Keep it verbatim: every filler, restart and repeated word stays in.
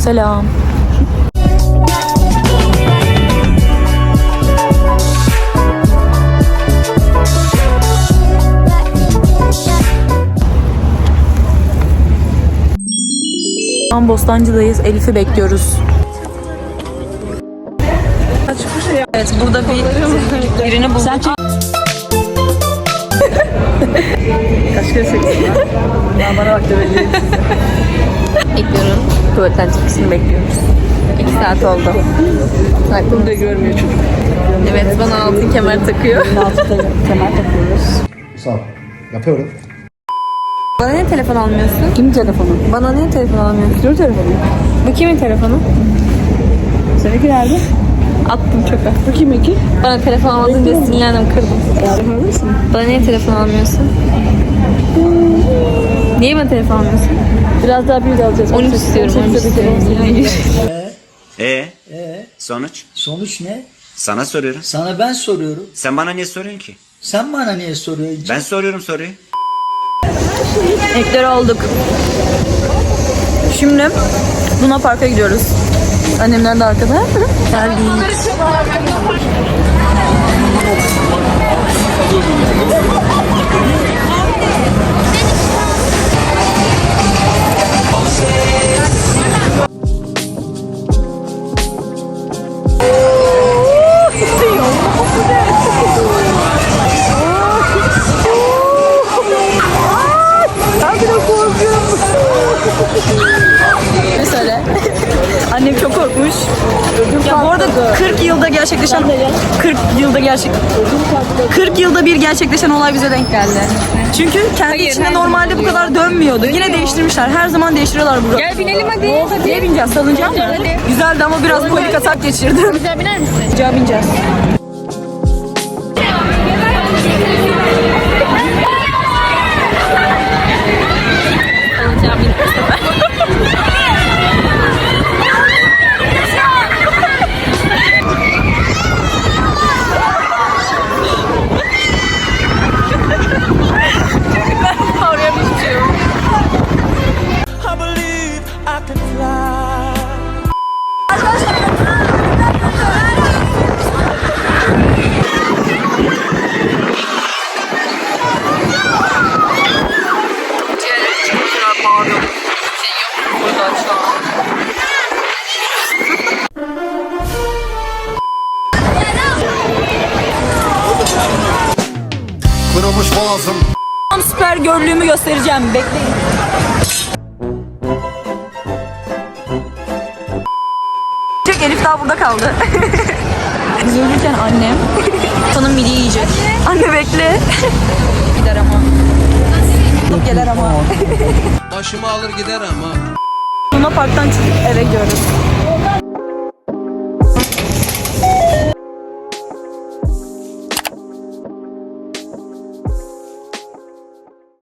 Selam. Şu an Bostancı'dayız. Elif'i bekliyoruz. Evet, burada bir birini bulduk. Sen kaç kere çektin ya? Ya bana bak demeliyiz. Bekliyorum. Tuvaletten çıkışını bekliyoruz. İki saat oldu. Bunu da görmüyor çocuk. Evet, bana altın kemer takıyor. Altı kemer takıyoruz. Sağ ol. Yapıyorum. Bana niye telefon almıyorsun? Kimin telefonu? Bana niye telefon almıyorsun? Kimin telefonu? Bu kimin telefonu? Seninki nerede? Attım çöpe. Bu kiminki? Bana telefon almadın diye sinirlendim, kırdım. Yardım mısın? Bana niye telefon almıyorsun? Niye bana telefon almıyorsun? Biraz daha büyük alacağız. on üç istiyorum. on üç istiyorum. Hayır. Ee? Ee? Sonuç? Sonuç ne? Sana soruyorum. Sana ben soruyorum. Sen bana niye soruyorsun ki? Sen bana niye soruyorsun? Ben soruyorum soruyu. Ekleri aldık. Şimdi Luna Park'a gidiyoruz. Annemler de arkada. Geldik. Ne söyle? Annem çok korkmuş. Ya bu arada kırk yılda gerçekleşen kırk yılda gerçek kırk yılda bir gerçekleşen olay bize denk geldi. Çünkü kendi Hayır, içinde her normalde bu kadar dönmüyordu. Yine değiştirmişler. Her zaman değiştiriyorlar bunu. Gel binelim hadi. hadi. Neye bineceğiz? Salıncağa mı? Hadi. Güzeldi ama biraz panik atak geçirdim. Güzel biner misin? Salıncağa bineceğiz. Salıncağa bin bu sefer. Oraya bir şey yok. Kırılmış boğazım. Tam süper görlüğümü göstereceğim. Bekleyin. Çek, Elif daha burada kaldı. Biz ölürken annem sonun midi yiyecek. Anne bekle. Gider ama. Alıp gelir ama. Başımı alır gider ama. Luna Park'tan çıkıp eve gidiyoruz.